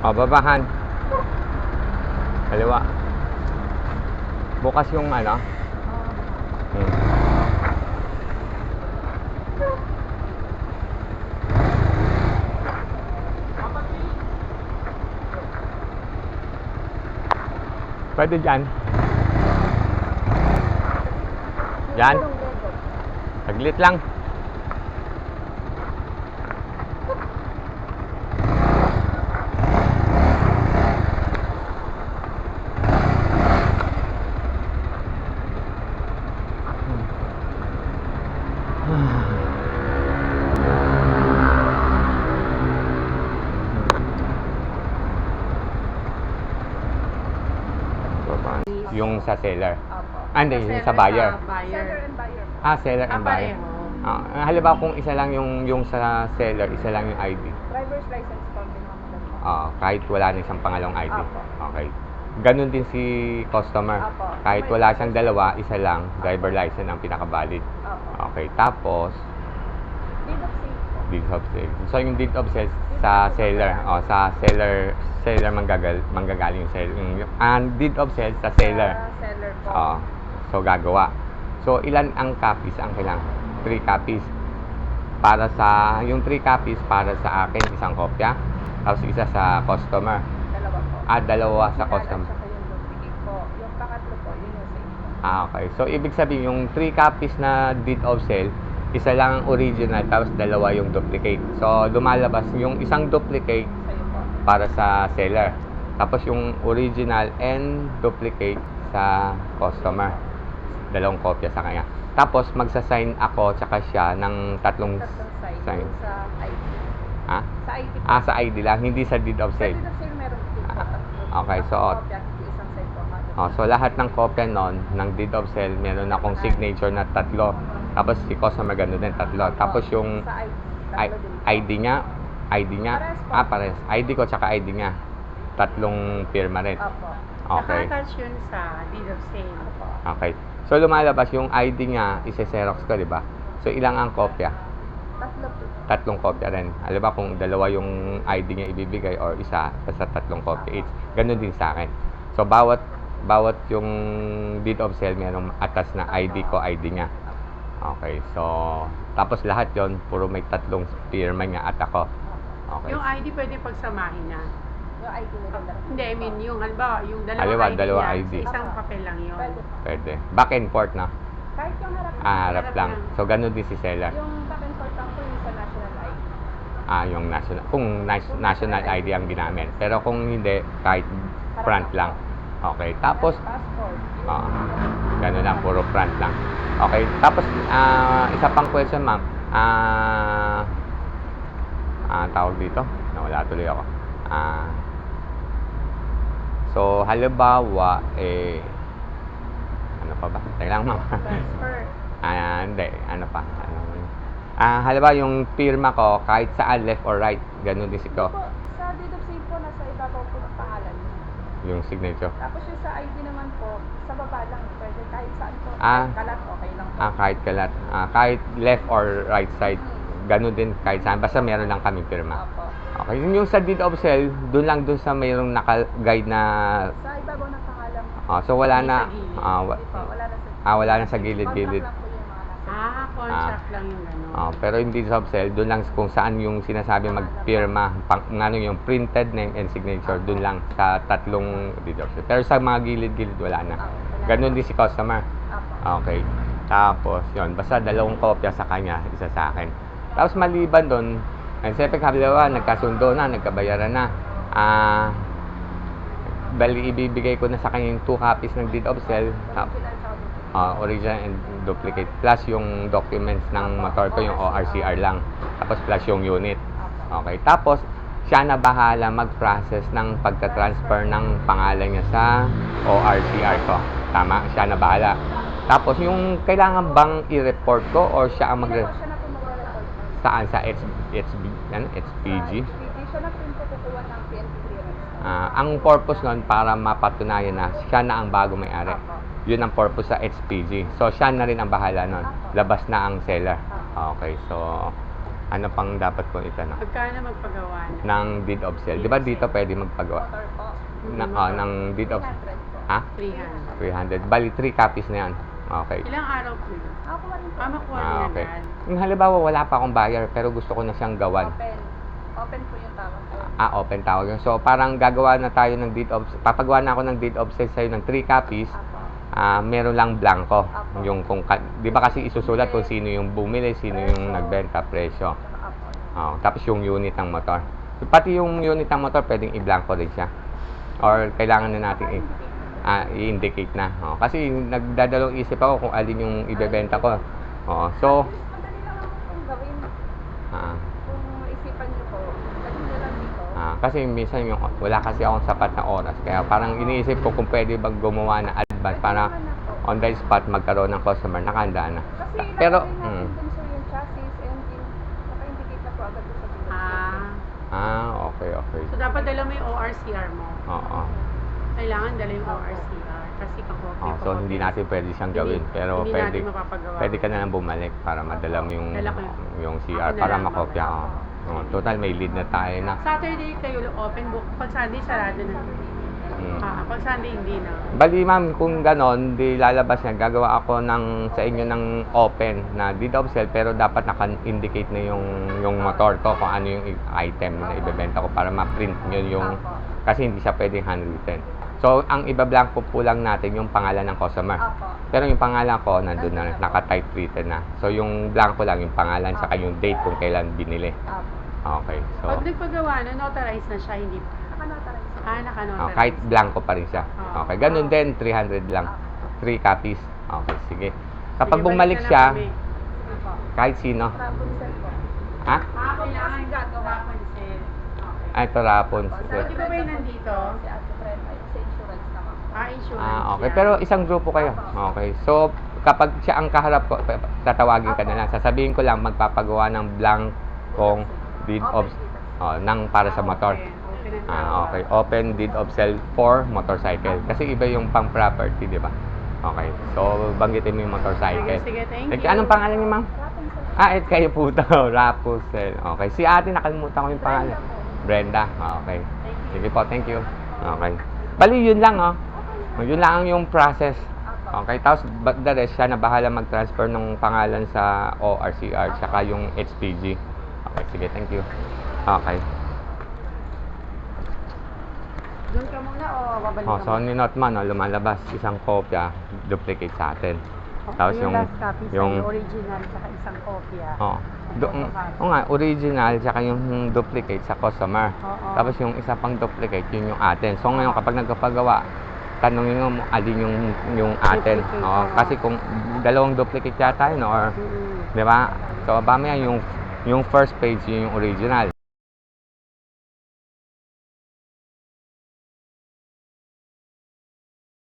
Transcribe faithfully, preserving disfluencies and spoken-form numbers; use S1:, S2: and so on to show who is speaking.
S1: O, babahan. Kaliwa. Bukas yung ano. Hmm. Pwede dyan. Dyan. Saglit lang. Yung sa seller.
S2: Opo.
S1: Ah, hindi, yung sa buyer.
S2: Seller and buyer.
S1: Ah, seller and
S2: Ah,
S1: buyer.
S2: pareho.
S1: Ah, halimbawa kung isa lang yung yung sa seller, isa lang yung I D.
S2: Driver's license po din ako dalawa.
S1: Ah, kahit wala na isang pangalawang I D.
S2: Apo.
S1: Okay. Ganun din si customer.
S2: Apo.
S1: Kahit wala siyang dalawa, isa lang, driver license ang pinaka-valid.
S2: Opo.
S1: Okay, tapos
S2: Deed of sale po.
S1: deed of sale. So yung deed of sale sa seller, oh, sa seller seller manggagal manggagaling yung seller. Yung, and deed of sale sa seller.
S2: Sa seller po.
S1: Oh. So gagawa. So ilan ang copies ang kailangan? three copies. Para sa yung three copies para sa akin isang kopya, tapos isa sa customer.
S2: Dalawa po.
S1: Ah, dalawa sa
S2: Original
S1: customer.
S2: at saka yung duplicate po. Yung pangatlo po, yun yung sa inyo.
S1: Ah, okay. So ibig sabihin yung three copies na deed of sale, isa lang ang original tapos dalawa yung duplicate. So lumalabas yung isang duplicate
S2: Sa'yo po.
S1: para sa seller. Tapos yung original and duplicate sa customer. Dalawang kopya sa kanya. Tapos magsa-sign ako tsaka siya ng tatlong
S2: Tatlong side.
S1: sign.
S2: Yung sa I D.
S1: Ha?
S2: Sa I D po.
S1: Ah, sa I D lang, hindi sa deed of
S2: Sa
S1: sale.
S2: deed of sale meron din po.
S1: Ah,
S2: tatlo.
S1: okay, so-
S2: Tatlong kopya, isang side po. kada
S1: Oh, so lahat ng kopya nun, ng deed of sale, meron akong signature na tatlo. Tapos si customer gano'n din, tatlo. Tapos yung
S2: Sa
S1: I-
S2: I D. Tatlo din po.
S1: I D niya, I D niya,
S2: Pares po.
S1: ah, pares. I D ko tsaka I D niya. Tatlong pirma rin.
S2: Opo.
S1: Okay.
S3: Naka-attach yun sa deed of sale.
S2: Opo.
S1: Okay. So lumalabas yung I D niya, ise-xerox ko, di ba? So ilang ang kopya?
S2: Tatlo po.
S1: Tatlong kopya rin. Alam ba kung dalawa yung I D niya ibibigay or isa, basta tatlong kopya each. Ganun din sa akin. So bawat bawat yung deed of sale merong atas na I D ko, I D niya. Okay. So tapos lahat yon puro may tatlong pirma niya at ako. Okay.
S3: Yung I D pwede pagsamahin na.
S2: Yung I D nila dalawa.
S3: Hindi, I mean, yung halimbawa, yung dalawang
S1: Halimbawa,
S3: I D
S1: dalawa
S3: niya,
S1: I D.
S3: sa isang papel lang yun.
S2: Pwede.
S1: Pwede. Back and forth na.
S2: Kahit yung harap.
S1: Ah, harap
S3: Harap
S1: lang.
S3: lang.
S1: So ganun din si seller.
S2: Yung back and forth lang po yung sa national I D.
S1: Ah, yung national, kung nas- national I D ang ginamit. Pero kung hindi, kahit front lang. Okay, tapos,
S2: Passport.
S1: ah, gano'n lang, puro front lang. Okay, tapos, ah, isa pang question, ma'am. Ah, ah, tawag dito, nawala tuloy ako. Ah, so, halimbawa, eh, ano pa ba? Teka lang, ma'am.
S2: Transfer.
S1: Ah, hindi, ano pa? Ano, ah, halimbawa, yung pirma ko, kahit saan, left or right, ganun din si ko,
S2: Po, sa deed of sale po, nasa ibabaw po ng pangalan.
S1: yung signature.
S2: Tapos yung sa I D naman po, sa baba lang. Pwede kahit saan po.
S1: Ah.
S2: Kahit kalat, okay lang po.
S1: Ah, kahit kalat, ah, kahit left or right side, ganun din kahit saan, basta meron lang kaming pirma.
S2: Opo.
S1: Okay, yung, yung sa deed of sale, doon lang doon sa mayroong naka-guide na,
S2: Sa ibabaw ng pangalan.
S1: ah, so wala
S3: Hindi
S1: na,
S3: sa gilid.
S1: ah, wa-
S2: Hindi po, wala na sa
S1: ah, wala na sa gilid-gilid.
S2: Contract lang po yung mga nasa.
S3: Ah, contract lang yung gano'n.
S1: Ah, pero yung deed of sale, doon lang kung saan yung sinasabi magpirma, pang, ano yung printed name and signature, doon lang sa tatlong deed of sale. Pero sa mga gilid-gilid, wala na. Ganun din si customer.
S2: Opo.
S1: Okay. Tapos, yun. Basta dalawang kopya sa kanya, isa sa akin. Tapos, maliban doon, ang siyempre, kabila, nagkasundo na, nagkabayaran na. Ah, bali, ibibigay ko na sa kanya yung two copies ng deed of sale. Tap,
S2: Original sa duplicate.
S1: ah, original and duplicate. Plus, yung documents ng motor ko, yung O R C R lang. Tapos, plus yung unit. Okay. Tapos, siya na bahala mag-process ng pagta-transfer ng pangalan niya sa O R C R ko. Tama? Siya na bahala. Tapos, yung kailangan bang i-report ko or siya ang mag-
S2: Hindi po, siya na po mag-report.
S1: saan? Sa H HB, ano? H P G?
S2: Sa H P G, siya na po yung kukuha ng P N P clearance.
S1: Ah, ang purpose nun para mapatunayan na siya na ang bago may-ari.
S2: Opo.
S1: Yun ang purpose sa H P G. So, siya na rin ang bahala nun. Labas na ang seller. Okay, so, Ano pang dapat kong itanong?
S3: Magkano magpagawa na?
S1: Ng deed of sale. Di ba dito pwede magpagawa?
S2: Motor po.
S1: Na, ah, ng deed of...
S2: three hundred po.
S1: Ha?
S3: three hundred.
S1: three hundred. Bali, three copies na yan. Okay.
S3: Ilang araw po yun?
S2: Ako rin po.
S3: Ah, makuha
S1: Ah,
S3: niya
S1: okay.
S3: agad.
S1: Yung halimbawa, wala pa akong buyer, pero gusto ko na siyang gawan.
S2: Open. Open po yung tawag ko.
S1: Ah, open tawag yun. So, parang gagawa na tayo ng deed of... Papagawa na ako ng deed of sale sa'yo ng three copies.
S2: Apo.
S1: Ah, meron lang blanco.
S2: Apo.
S1: Yung kung... ka- Di ba kasi isusulat kung sino yung bumili, sino yung
S2: Presyo.
S1: nagbenta, presyo.
S2: Apo.
S1: Oh, tapos yung unit ng motor. Pati yung unit ng motor, pwedeng i-blanco rin siya. Or kailangan na natin i- ah, i-indicate na. Oh, kasi nagdadalawang isip ako kung alin yung ibebenta ko. Oh, so,
S2: Madali lang ako kung gawin.
S1: ah,
S2: Kung isipan niyo po, dali niyo lang dito.
S1: ah, kasi minsan yung, wala kasi akong sapat na oras. Kaya parang iniisip ko kung pwede bang gumawa na advance para on the spot magkaroon ng customer, nakahanda na.
S2: Kasi
S1: Pero,
S2: ilalagay natin
S1: mm,
S2: dun sa yung chassis, engine, naka-indicate na po agad doon sa bill.
S3: Ah.
S1: ah, okay, okay.
S3: So, dapat dala mo yung O R C R mo.
S1: Oo.
S3: Kailangan dala yung O R C R. Kasi kakopy
S1: Oh, so hindi natin pwede siyang gawin, pero
S3: hindi
S1: pwede
S3: natin mapapagawa.
S1: pwede ka na lang bumalik para madala mo yung
S3: Dala ko yun.
S1: yung C
S3: Ako
S1: R
S3: na
S1: para
S3: lang.
S1: makopya ko. Oh, total may lead na tayo na.
S3: Saturday kayo open book. Pag Sunday, sarado na.
S1: Mm.
S3: Ah, pag Sunday, hindi na.
S1: Bali ma'am, kung ganon, di lalabas yan. Gagawa ako ng sa inyo ng open na deed of sale, pero dapat naka-indicate na yung yung motor ko kung ano yung i- item na ibebenta ko para ma-print nyo yung kasi hindi siya pwedeng handwritten. So, ang iba-blanco po lang natin yung pangalan ng customer.
S2: Apo.
S1: Pero yung pangalan ko, nandun na, naka-type written na. So, yung blanco lang, yung pangalan, saka yung date kung kailan binili.
S2: Apo.
S1: Okay, so,
S3: Pag nagpagawa na, notarize na siya, hindi pa.
S2: Naka-notarize.
S3: Ah,
S1: oh,
S3: naka-notarize.
S1: kahit blanco pa rin siya.
S3: Ah.
S1: Okay, ganun din, three hundred lang. three copies. Okay, sige. Kapag
S3: Sige,
S1: bumalik
S3: balik na
S1: siya,
S3: lang kami.
S2: Sige po.
S1: kahit sino.
S2: Rapunzel po.
S1: Ha?
S3: Ah, kailangan gagawa ko Okay.
S1: Ay, ito rapon.
S3: So, di ba ba yung nandito?
S2: Si Ate Fred ay sa insurance naman.
S3: Ah, insurance
S1: Ah, okay.
S3: yan.
S1: Pero isang grupo kayo. Okay. So, kapag siya ang kaharap ko, pa- tatawagin ka na lang. Sasabihin ko lang, magpapagawa ng blankong deed of oh, ng para sa motor.
S3: Open. Open and
S1: Ah, okay. Open deed of sale for motorcycle. Kasi iba yung pang property, di ba? Okay. So, banggitin mo yung motorcycle.
S3: Sige, sige, thank
S1: Like,
S3: you.
S1: anong pangalan niyo, ma'am?
S2: Rapunzel.
S1: Ah, et kayo po to. Rapunzel. Okay. Si ate, nakalimutan ko yung pangalan. Brenda. Okay.
S3: Thank you.
S1: Sige po, thank you. Okay. Bali, yun lang, oh. Yun lang yung process. Okay, tapos but the rest, siya na bahala mag-transfer ng pangalan sa O R C R, tsaka yung H P G. Okay, sige, thank you. Okay.
S3: Doon ka muna o babalik
S1: Oh,
S3: ka
S1: so ninot man, oh, lumalabas isang kopya, duplicate sa atin. Tapos yung,
S3: last copy sa
S1: yung,
S3: original saka isang kopya.
S1: oh, do, oh nga, original, tsaka yung duplicate sa customer.
S3: Oo.
S1: Tapos yung isa pang duplicate, yun yung atin. So ngayon, kapag nagpapagawa, tanongin mo alin yung yung atin.
S3: Duplicate,
S1: Oh,
S3: oo.
S1: kasi kung dalawang duplicate yata yun, or
S3: Mm-mm.
S1: di ba? So mamaya yung yung first page yun yung original.